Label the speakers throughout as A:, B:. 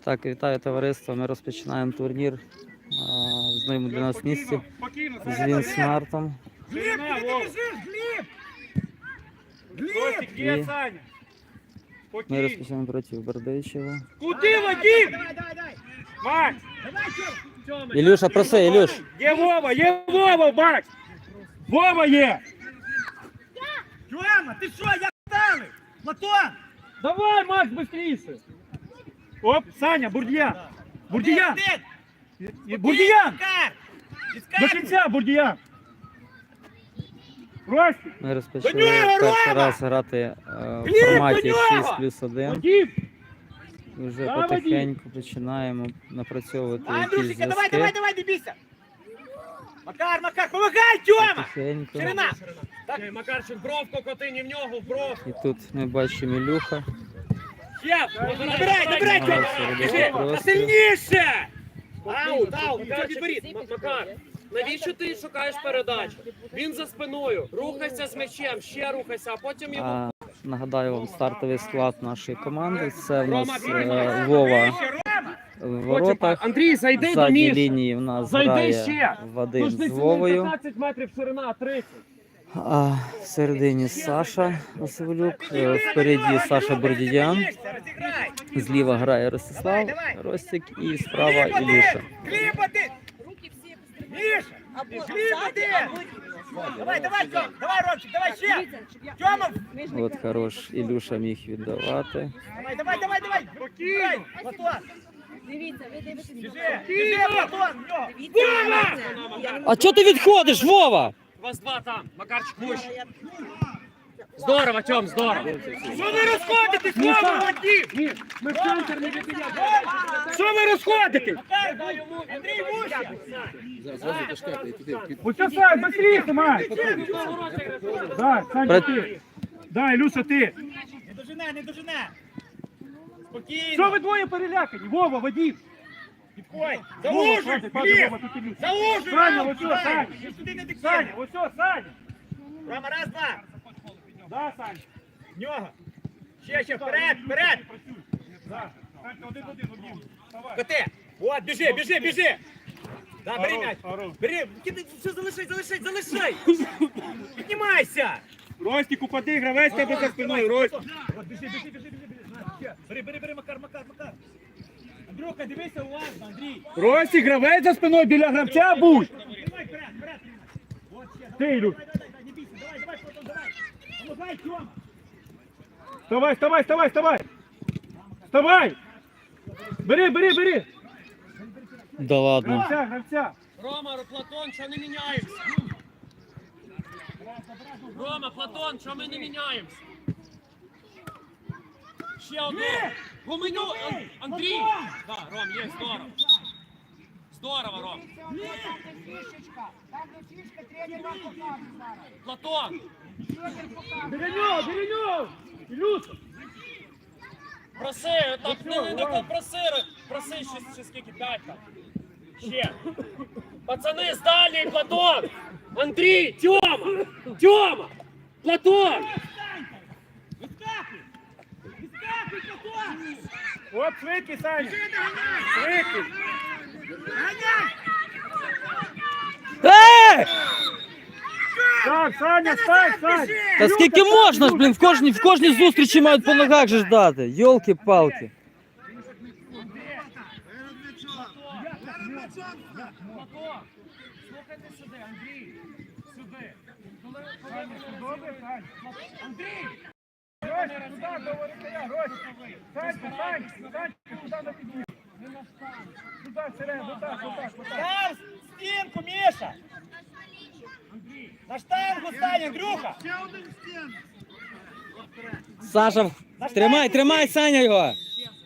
A: Так, вітаю товариство. Ми розпочинаємо турнір в новому для нас місці з Вінсмартом.
B: Гліб, куди ти біжиш? Гліб! Гліб!
C: Є, Саня.
A: Ми
C: Спокійно.
A: розпочинаємо проти Бердичева.
C: Куди, Вадим?
B: Давай!
C: Макс,
B: Давай, Тьом!
A: Ілюша, проси, Ілюш.
C: є Вова, Макс. Вова є.
B: Тьома, ти що, як стали? Платон!
C: Давай, Макс, быстріше. Оп, Саня, Бурдіян. Бурдіян. Бурдіян. До кінця, Бурдіян. Ростик.
A: Ми розпочали
C: До нього,
A: перший
C: Рома!
A: раз грати в
C: Гліб,
A: форматі
C: до нього!
A: 6+1.
C: Вадим.
A: І вже
C: Давай,
A: потихеньку починаємо напрацьовувати якісь
B: Андрюшенька,
A: зв'язки.
B: давай, не бійся! Макар, помагай, Тьома!
A: Потихеньку.
B: Ширина!
C: Макарчик, бровку коти, в нього, в бров.
A: І тут ми бачимо Ілюха.
B: Є! Набирай,
A: Намагається
B: Тьома!
A: робити
B: Біжи!
A: простір.
B: Сильніше! Аут, нічого відберіть!
D: Макар, навіщо ти шукаєш передачу? Він за спиною. Рухайся з м'ячем, ще рухайся, а потім йому...
A: Нагадаю вам стартовий склад нашої команди. Це в нас Вова в воротах.
D: Андрій,
A: В
D: зайди до
A: задній
D: Міші.
A: лінії в нас
D: Зайди
A: грає
D: ще.
A: Вадим з
D: Нужно
A: Вовою.
D: 15 метрів ширина, 30.
A: А в середині Саша Василюк, впереді Саша Бордідян,
B: Розіграй!
A: зліва грає Ростислав Ростик і справа Ілюша.
B: Гліба ти! Міша! Гліба ти! Давай, Тьом! Давай, Ромчик, давай ще! Тьома!
A: От хорош Ілюша міг віддавати.
B: Давай! Спокійно! Платон!
E: Дивіться, ви дивитесь.
B: Біжи, Платон! В нього!
A: А чого ти відходиш, Вова?
D: Вас два там, Макарчик, вище. Здорово, Тьом, здорово.
B: Що ви розходитесь, Вова, Вадим?
D: Ми в центр не відбігаємо.
B: Що ви розходитесь? Андрій, вуща!
C: Оце, Сань, быстріше, Макс. Да, Саня, ти. Да, Ілюша, ти.
B: Не дожене! Спокійно!
C: Що ви двоє перелякані? Вова, Вадим.
B: Підходь!
C: Вова,
B: Заужуй,
C: хватить,
B: Гліб!
C: Вова, тут Ілюша.
B: Заужуй!
C: Саня,
B: Ром,
C: ось
B: сюди!
C: Саня.
B: Ти сюди не
C: Саня,
B: дикай!
C: ось о, Саня.
B: Рома, раз, два!
C: Да, Саня.
B: В нього! Ще, вперед!
C: Да. Саня, один, Вадим. Давай.
B: Коти! От, біжи! Да, бери м'яч!
C: Хорош.
B: Бери! Все, залишай! Піднімайся!
C: Ростик, упади, гравець тебе за спиною, Ростик.
B: От, біжи! Бери, Макар! Андрюха, дивися уважно, Андрій!
C: Ростик, гравець за спиною, біля гравця будь.
B: Тримай, вперед! От ще!
C: Ти, Ілюш.
B: Не бійся, давай, Платон, давай! Помагай, Тьома!
C: Вставай. Вставай. Бери.
A: Да ладно.
C: Гравця.
D: Рома, Платон, що не міняємося? Рома, Платон, що ми не міняємося? Ще одну. Гуменю, Андрій. Да, Ром, є, здорово. Здорово, Ром. Платон.
C: Біля нього. Ілюша.
D: Проси, так не проси ще скільки, 5 там. Ще. Пацани, здалі, Платон. Андрій, Тьома. Платон.
B: Відскакуй, Платон!
C: От швидкий, Саня. Швидкий.
B: Ганяй!
C: Так, Саня, стань.
A: Та скільки можна ж, блін, в кожній зустрічі мають по ногах же ждати. Йолки-палки.
D: Платон. Слухайте сюди, Андрій. Сюди. Андрій.
C: Ростик, туди, до воротаря, Ростик. Сань, туди на підвіз. Туди, всередину, отак.
B: Став стінку, Міша! На штангу стань, Андрюха!
A: Саша, тримай, Саня його.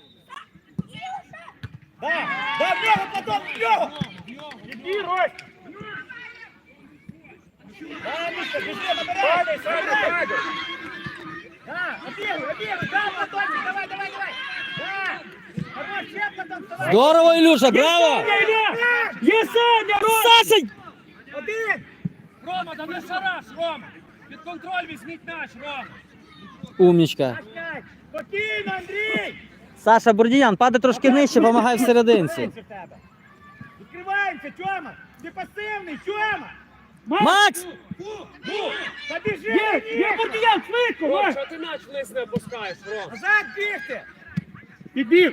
B: Да, в нього, Платон, в нього!
C: Іди, Ростик.
B: Да, Міша, біжи, набирай!
C: Саня.
B: Да, обігуй, да, Платончик, давай! Да! Хорош, ще, Платон, вставай!
A: Здорово, Ілюша, браво!
C: Є Саня,
A: Саша!
B: Один!
D: Рома, да не шараш, Рома. Під контроль візьміть м'яч, Рома.
A: Умничка.
B: Спокійно, Андрій!
A: Саша Бурдіян, падай трошки нижче, помагай в серединці.
C: Відкриваємося, Тьома! Ти пасивний, Тьома!
A: Макс!
C: Та біжи! Є Бурдіян, швидко!
D: Ром,
C: Макс!
D: що ти м'яч вниз не опускаєш, Ром?
C: Назад бігти! Підбіг!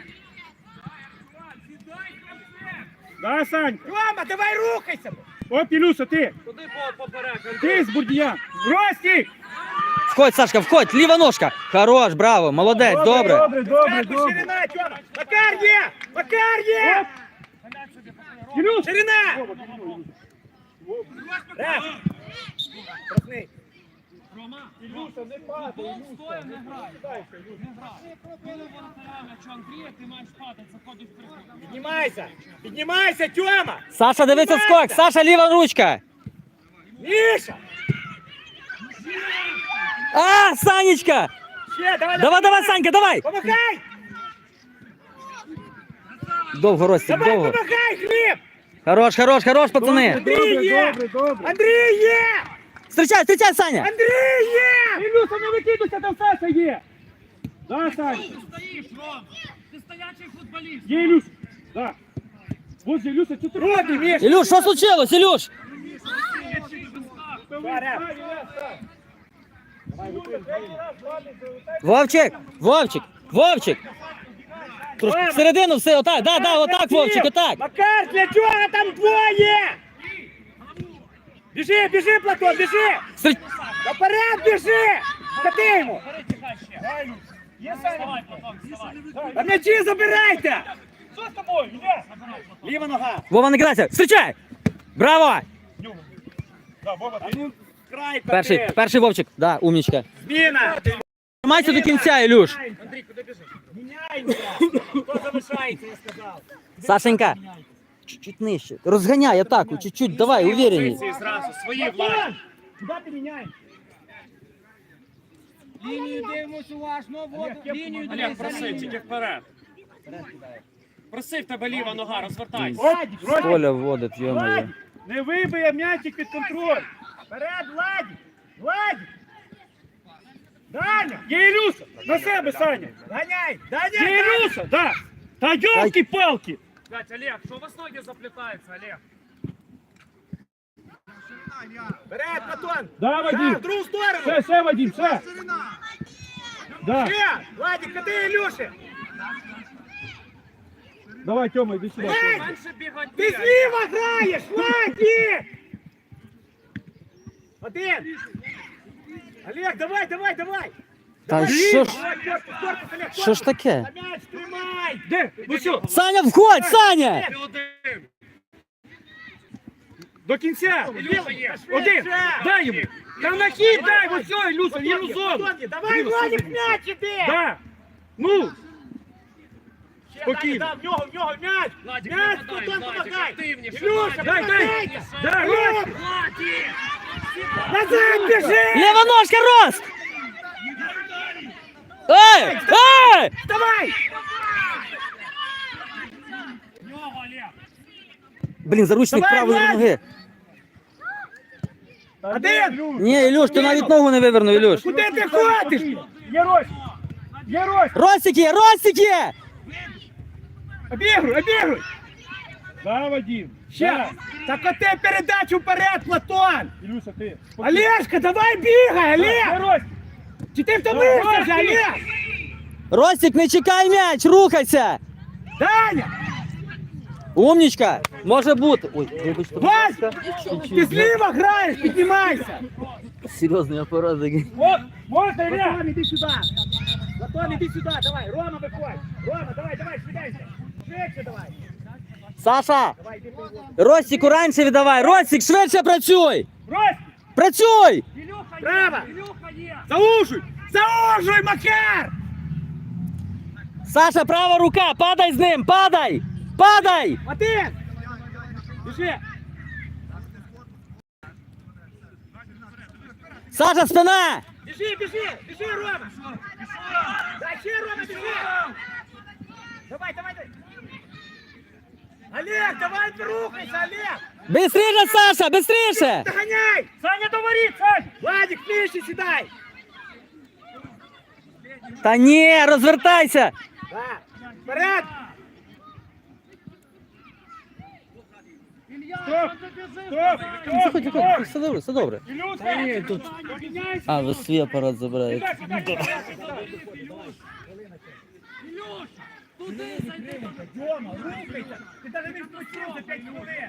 C: Да, Сань! Тьома, давай рухайся! От, Ілюша, ти!
D: Куди поперек?
C: Ти з Бурдіян! Ростік!
A: Входь, Сашка, входь, ліва ножка. Хорош, браво, молодець, добре.
C: Добре. Ширина, Тьома! Макар є! Макар є! Ілюш! Ширина! Раз! Красний!
D: Рома,
C: Ілюша, не падай!
D: стоїм, не грай. Не грай. Коли воротаря м'ячу Андрія, ти маєш падати, заходиш в приход.
C: Піднімайся! Піднімайся, Тьома!
A: Саша, дивися скок, Саша, ліва ручка.
C: Міша!
A: А, Санечка!
C: Ще, давай!
A: Давай, Санька, давай!
C: Помагай!
A: Довго, Ростик,
C: Давай,
A: довго.
C: помагай, Гліб!
A: Хорош, пацани.
C: Андрій є! Андрій є!
A: Встречай, Саня!
C: Андрій є! Ілюша, не викидуйся, там Саша є! Да, Сань!
D: Ти стоїш, Ром! Ти стоячий футболіст!
C: Є Ілюш! Да! Вот же Ілюша, що ти робиш, Міш?
A: Ілюш, що случилось, Ілюш? Вовчик! Трошки всередину все, отак, да, отак, Вовчик, отак.
C: Макар, для чого там двоє? Біжи, Платон, біжи! Наперед біжи! Кати йому! Є Саня? А м'ячі забирайте! Що з тобою? Іде! Ліва нога!
A: Вова, не грайся, встречай! Браво!
C: А ну, край,
A: Перший Вовчик, да, умничка.
C: Зміна!
A: Тримайся до кінця, Ілюш.
C: Андрій, куди біжиш? Міняємося! Хто залишається, я сказав.
A: Сашенька, чуть-чуть нижче. Розганяй атаку, чуть-чуть, давай, уверенней.
D: Зразу, свої
C: Платон! Куди ти міняєш?
B: Лінію дивимося уважно, лінію
D: Олег, проси, тільки вперед. Проси, в тебе ліва нога, розвертайся.
C: Владик,
A: Коля вводить, йо-моє.
C: Владик! Не вибиє м'ячик під контроль! Вперед, Владик! Владик! Даня! Є Ілюша! На себе, Саня! Ганяй! Є Ілюша! Да! Та ёлки-палки!
D: Блядь, Олег, що у вас ноги заплітаються, Олег?
C: Вперед, Платон! Да, Вадим! В другу сторону! Ще, Вадим, ще! Да! Ще! Владик, кати Ілюші! Давай, Тёма, иди сюда.
D: Менше бігати.
C: Ти зліва граєш, Владик! Один! Олег, давай!
A: Та що ж таке?
C: На м'яч тримай! Де? Ну що?
A: Саня, входь, Саня!
D: Ти один.
C: До кінця!
D: Ілюша є.
C: Один! Дай йому! Та на хід дай! Ось все, Ілюша, вільну зону! Давай, Владик, м'яч іди! Да! Ну! Спокійно! В нього м'яч!
D: Владик,
C: М'яч,
D: нападай,
C: Платон,
D: Владик,
C: помагай!
D: активніше,
C: Ілюша,
D: Владик.
C: дай! Дай,
D: Владик!
C: Назад біжи!
A: Лева ножка, Рост! Эй!
C: Давай!
D: Нього, Олег.
A: Блін, заручник
C: Давай,
A: правої
C: Влад!
A: ноги.
C: Один!
A: Ні, Ілюш, ти навіть ногу не вивернув, Ілюш.
C: Куди ти ходиш? Є Рось! Є Рось!
A: Ростик є!
C: Обігруй! Да, Вадим! Ще! Так оте передачу вперед, Платон! Ілюша, ти! Олежка, давай бігай, Олег! Чи ти втомився вже, Олег?
A: Ростик, не чекай м'яч, рухайся!
C: Даня!
A: Умничка! Може бути. Ой, вибачте.
C: Вась! Ти зліва граєш, піднімайся!
A: Серйозний апарат такий.
C: От, можна, Олег! Платон, іди сюди! Платон, іди сюди, давай! Рома, виходь! Рома, давай, швидайся! Швидше давай!
A: Саша!
C: Давай, іди виходь!
A: Ростику раніше віддавай! Ростик, швидше працюй!
C: Рось!
A: Працюй!
D: Ілюха є.
C: Право!
D: Ілюха є.
C: Заужуй, Макар!
A: Саша, права рука! Падай з ним! Падай!
C: Один! Біжи!
A: Саша, спина!
C: Біжи, Рома! Дай ще, Рома, біжи! Давай! Олег, давай рухайся, Олег!
A: Быстріше, Саша, быстріше!
C: Доганяй! Саня, до воріт, Сань! Владик, нижче сідай!
A: Та ні, розвертайся!
C: Да. Вперед! Стоп! Стоп!
A: Заходь, заходь, все добре, все добре.
C: Ілюша!
A: Ні, тут.
C: Поміняйся!
A: А, ви свій апарат забираєте.
C: Дьома, рухайся! Ти навіть не втручив за 5 хвилин!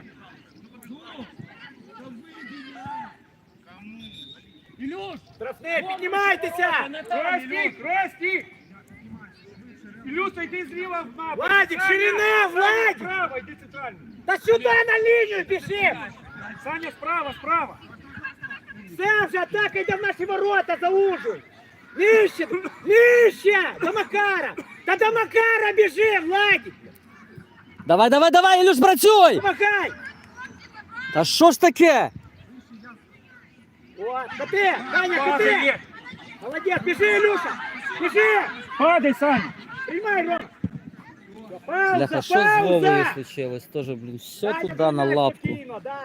F: Ілюш!
C: Штрафний, піднімайтеся! Ростік, Ростік! Ілюша, йди зліва в напад! Владик, ширина, Владик! Справа, йди центрально! Та сюди на лінію біжи! Саня, справа, справа! Все, вже атака йде в наші ворота, заужуй! Нижче, нижче! До Макара! Та до Макара біжи, Владик!
A: Давай, давай, давай, Ілюш, працюй!
C: Помагай!
A: Та що ж таке?
C: О, коти! Саня, коти! Молодець, біжи, Ілюша! Біжи! Падай, Саня! Приймай, Ром! Пауза,
A: Бляха, що з Вовою случилось? Тоже, блін, все
C: Саня,
A: туди на
C: приймай
A: лапку.
C: спокійно, да.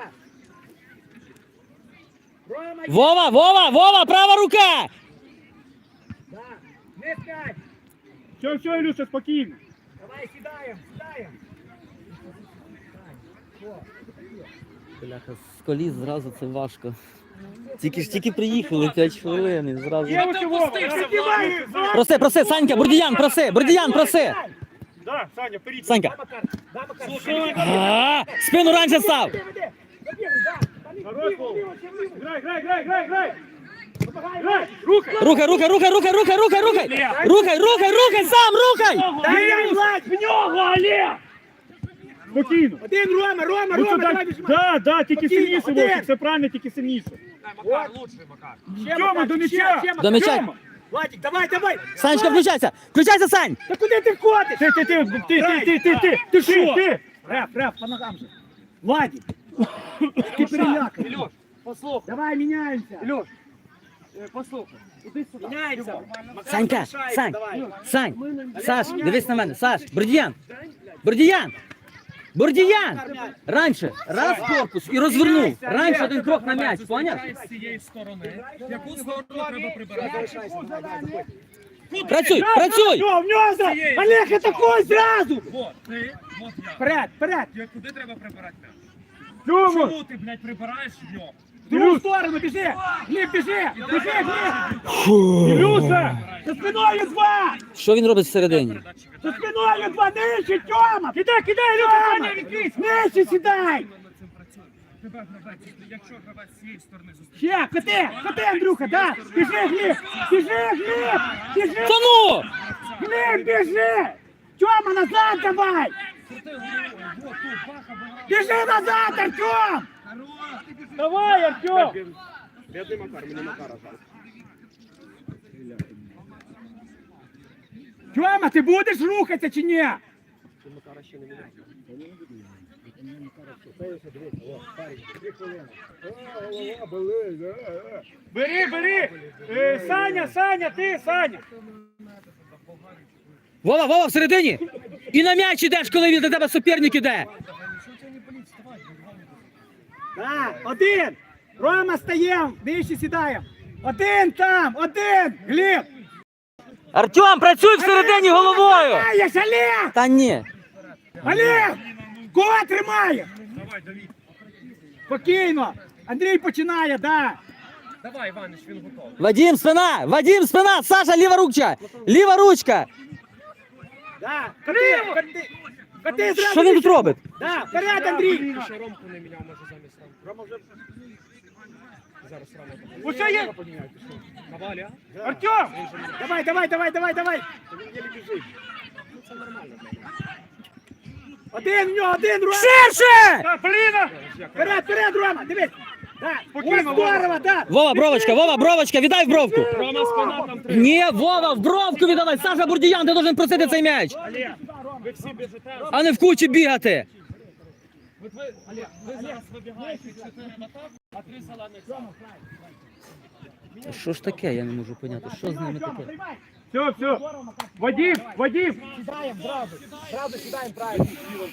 C: Рома, є.
A: Вова, Вова, Вова, права рука!
C: Да. Не скай! Все, Ілюша, спокійно. Давай, сідаємо, сідаємо.
A: Бляха, з коліс зразу це важко. Тільки приїхали 5 хвилин і зразу.
C: Є ось Вова, піднімай!
A: Проси, проси, Санька, Бурдіян, проси, Бурдіян, проси!
C: Да, Саня, вперед.
A: Санька.
C: Да, Макар, да, Макар.
A: А, спину раніше став!
C: Хорош, Вова. Грай, грай, грай, грай, грай. Грай, рухай.
A: Рухай, рухай, рухай, рухай, рухай, рухай, рухай! Рухай, рухай, рухай, сам, рухай!
C: Дай, Влад, в нього, Олег! Спокійно. Один, Рома, Рома, Рома, давай біжимо. Да, тільки сильніше, Вовчик, все правильно, тільки сильніше.
D: Макар, лучший Макар.
C: Тьома, до м'яча.
A: До м'яча.
C: Владик, давай, давай.
A: Санечка, включайся! Включайся, Сань!
C: Та куди ти входиш? Ти що? Реф, по ногам же. Владик. Ти перелякав.
D: Ілюш, послухай.
C: Давай, міняємося.
D: Ілюш, послухай. Іди сюди.
C: Міняємося.
A: Санька, Сань, Сань, Саш, дивись на мене, Саш, Бурдіян, Бурдіян, Бурдіян! Раніше, раз корпус і розвернув, раніше один крок на м'яч, поняв?
F: З цієї сторони. Яку сторону треба прибирати?
A: Працюй, працюй!
C: Все, в нього! Олег, атакуй зразу!
F: Вот, ти, вот я.
C: Вперед, вперед!
F: Куди треба прибирати м'яч?
C: Чому?
F: Чому ти, блядь, прибираєш його?
C: В другу сторону біжи! Гліб, біжи! Біжи, Гліб! Ілюша! За спиною два!
A: Що він робить всередині?
C: За спиною два! Нижче, Тьома! Кидай, Ілюша! Нижче сідай!
F: Над цим працює. Тебе гравець, якщо гравець з цієї сторони зустрічає.
C: Ще, коти, Андрюха, да! Біжи, Гліб! Біжи, Гліб! Біжи!
A: Та ну!
C: Гліб, біжи! Тьома, назад давай!
F: Крути головою, вот тут, баха, була.
C: Біжи назад, Артем! Давай, Артем!
D: Бідний Макар, мені Макара жаль.
C: Тьома, ти будеш рухатися чи ні?
D: Макара ще не міняє.
C: Бери! Саня, ти, Саня!
A: Вова, Вова, всередині! І на м'яч ідеш, коли він до тебе суперник іде!
C: Так, один! Рома стаєм, нижче сідаємо! Один там, один! Гліб!
A: Артем, працюй всередині головою!
C: Тримаєш, Олег!
A: Та ні!
C: Олег! Кого тримає?
F: Давай, Давід.
C: Спокійно! Андрій починає, да!
F: Давай, Іванич, він готовий.
A: Вадим, спина! Саша, ліва ручка! Ліва ручка!
C: Да! Коти зразу!
A: Що він тут робить?
C: Да, вперед, Андрій!
D: Ще Ромку не міняв, може замість Ромки. Рома вже... Зараз Рома.
C: Усе є!
D: На Валі, а?
C: Артем! Давай! Один в нього, один, Рома!
A: Ширше!
C: Блін! Вперед, Рома, дивись! Да, спокійно, здорово, да!
A: Вова, бровочка, віддай в бровку!
D: Рома спина там три.
A: Ні, Вова, в бровку віддавай! Саша Бурдіян, ти должен просити цей м'яч!
D: Ви всі біжите.
A: А не в кучі бігати!
D: Ви зараз вибігаєте 4 в атаку, а 3 зелених сам.
A: Що ж таке, я не можу поняти, що з ними таке?
C: Все, Вадим! Сідаємо, зразу сідаємо правильно.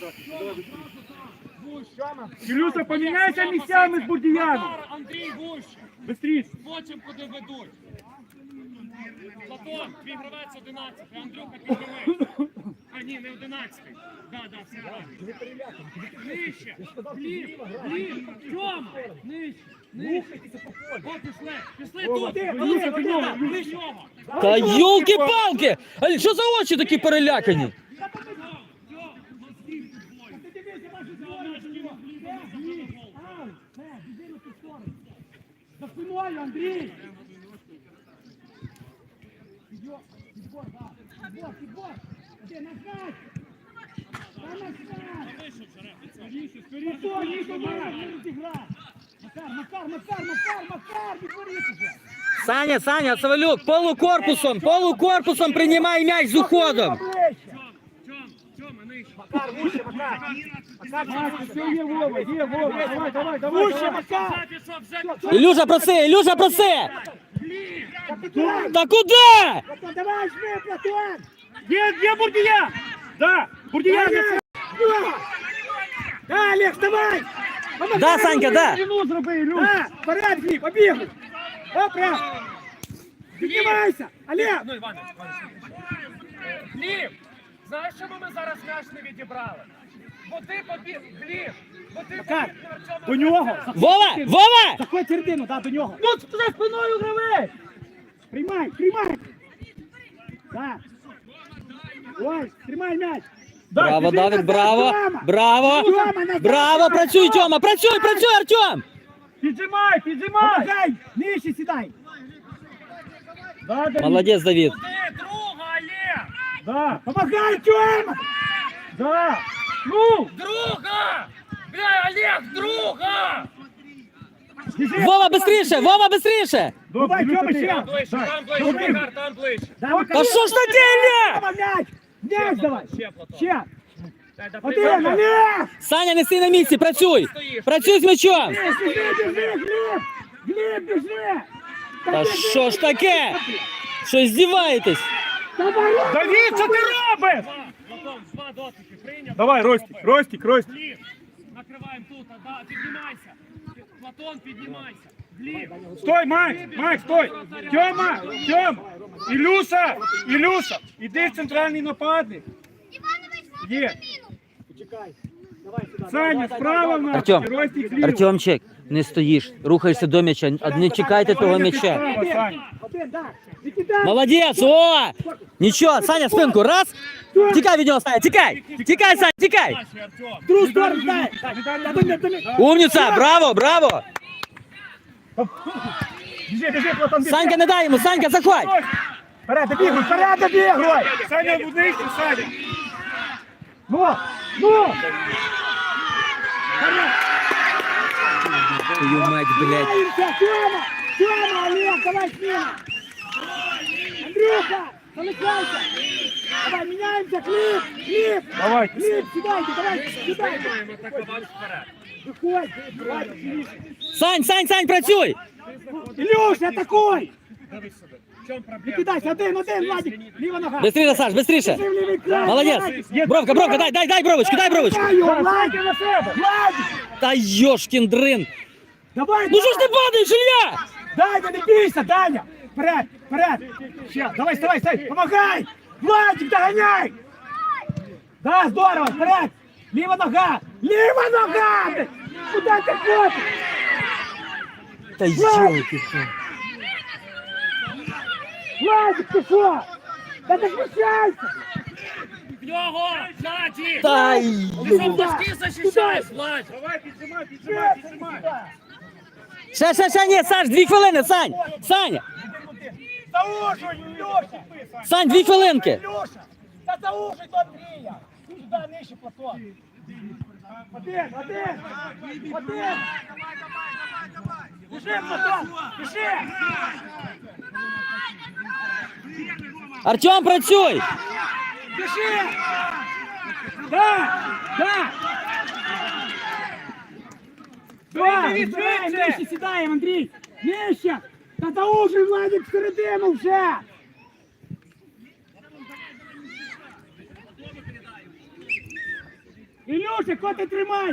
C: Ілюша, поміняйся місцями з Бурдіяном.
F: Андрій вуще.
C: Бистріше.
F: Бачимо, куди ведуть. Платон, твій гравець 11, Андрюха піднімий. А, ні, не 11-й. Да, все правильно. Нижче. Блін. Тьома. Нижче. О, пішли тут. До нього.
A: Та йолки-палки! А що за очі такі перелякані?
C: За спиною, Андрій!
A: Саня, Савелюк, полукорпусом приймай м'яч з уходом.
F: Тьома, нижче.
C: Макар, вище, Макар! Макар, все, є Вова, давай! Вище, Макар!
A: Ілюша, проси! Та куди?
C: Давай, жми, Платон! Є Бурдія! Да, Бурдія! Да, Олег, давай!
A: Да, Санька, да.
C: Да, вперед, Гліб, побігли! Опра! Піднімайся! Олег!
F: Ну, Іване. Гліб, знаєш, чому ми зараз м'яч не відібрали? Бо ти побіг, Гліб, бо ти
C: Макар,
F: побіг на Артема.
C: до нього!
A: Вова!
C: Заходь середину, да, до нього! Ну, за спиною гравець! Приймай! Да! Ой, тримай м'яч!
A: Браво,
C: біжи
A: Давид,
C: назад,
A: браво!
C: Тьома, назад,
A: Браво,
C: назад,
A: працюй,
C: Тьома.
A: Тьома, працюй, Артем!
C: Піджимай! Помагай! Нижче сідай!
A: Молодець, Давид.
F: Куди, друга, Олег!
C: Да! Помагай, Тьома! Да! Ну!
F: Друга! Бля, Олег, друга!
C: Біжи!
A: Вова, быстріше!
C: Давай, Тьома, ще!
F: Там ближче, Макар, там ближче.
A: Та що ж таке, Ілля?
C: Тьома, м'яч! М'яч давай!
F: Ще, Платон.
C: Ще!
F: Дай, да,
C: Один,
F: приймай.
C: Олег!
A: Саня, не стій на місці, працюй з м'ячом.
C: Біжи, Гліб, біжи!
A: Та що ж таке? Що здіваєтесь?
C: Давид, що ти робиш?
F: Платон, два дотики, прийняв.
C: Давай, Ростик.
F: Гліб, накриваємо тут, да, піднімайся. Платон, піднімайся. Гліб.
C: Стой, Макс, стой! Тьома! Ілюша! Іди в центральний нападник! Є! Саня, справа в нас!
A: Артем,
C: Ростик зліва!
A: Артемчик, не стоїш, рухаєшся до м'яча, не чекайте того м'яча. Молодець, о! Нічого, Саня, спинку, раз. Тікай від нього, Саня, тікай, Саня, тікай.
F: Наші, Артем.
C: Другу сторону, дай!
A: Умніця, браво.
C: Біжи, Платон, біжи!
A: Санька, не дай йому, Санька, заходь.
C: Вперед, добігуй! Саня, в нижче, Саня! Ну!
A: Твою мать, блядь.
C: Тьома, Олег, давай смена! Андрюха, залишайся! Давай, меняемся, Клип!
F: Давай.
C: Клип, сідайте, давай, сідайте!
F: Маємо атакувати вперед.
C: Виходь, давай, Клип!
A: Сань, працюй.
C: Ілюша, атакуй!
F: Дивись сюди. В чому
C: Не
F: проблема?
C: кидайся, один, Владик! Ліва нога!
A: Быстріше, Саш, быстріше.
C: Біжи в лівий край!
A: Молодець. Бровка, дай бровочку.
C: Владик на себе! Владик!
A: Та йошкін дрин.
C: Давай,
A: Ну що ж ти падаєш, Ілля?
C: Дай, не бійся, Даня! Вперед! Ще, давай, стой! Помагай! Владик, догоняй! Да, здорово, вперед! Ліва нога! Куда ти ходиш?
A: Та йолки.
C: Владик, ти що? Та захищайся!
F: В нього! Ззаді!
A: Та
F: Ти що,
A: йо.
F: башки захищаєш, Владь?
C: Давай, піджимай!
A: Ще, ні, Саш, 2 хвилини, Сань. Саня,
C: Заужуй, Леша!
A: Сань, 2 хвилинки.
C: Леша! Та заужуй до Андрія! Сюди нижче, Платон! Один! Біжи, Платон! Біжи!
A: Артем, працюй.
C: Біжи! Да! Нижче сідаємо, Андрій! Нижче! Та заужуй, Владик, всередину вже! Ілюша, коти тримай!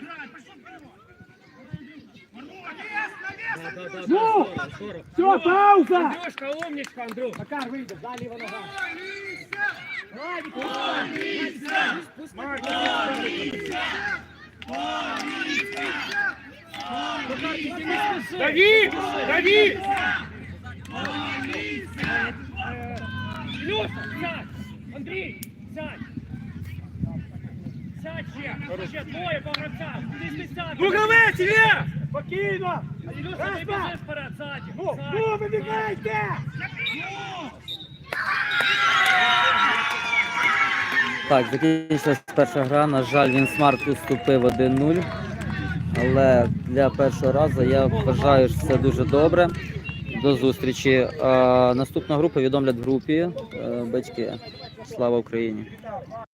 C: Ну! Все, пауза!
F: Андрюшка, умничка, Андрюх.
C: Макар, вийде, да, ліва нога. Дави! Дави!
F: Илюша, сядь! Андрій, сядь! Сядь ще двоє по гравцях! Куди ти сядь?
C: Ну, гравець, Ілля! Спокійно!
F: Илюша,
C: Раз,
F: ти
C: два.
F: біжиш вперед, ззаді!
C: Ну, ну, вибігайте!
A: Так, закінчилась перша гра. На жаль, він смарт уступив 1-0. Але для першого разу я вважаю, що все дуже добре. До зустрічі. Наступна група відомлять в групі. Батьки. Слава Україні!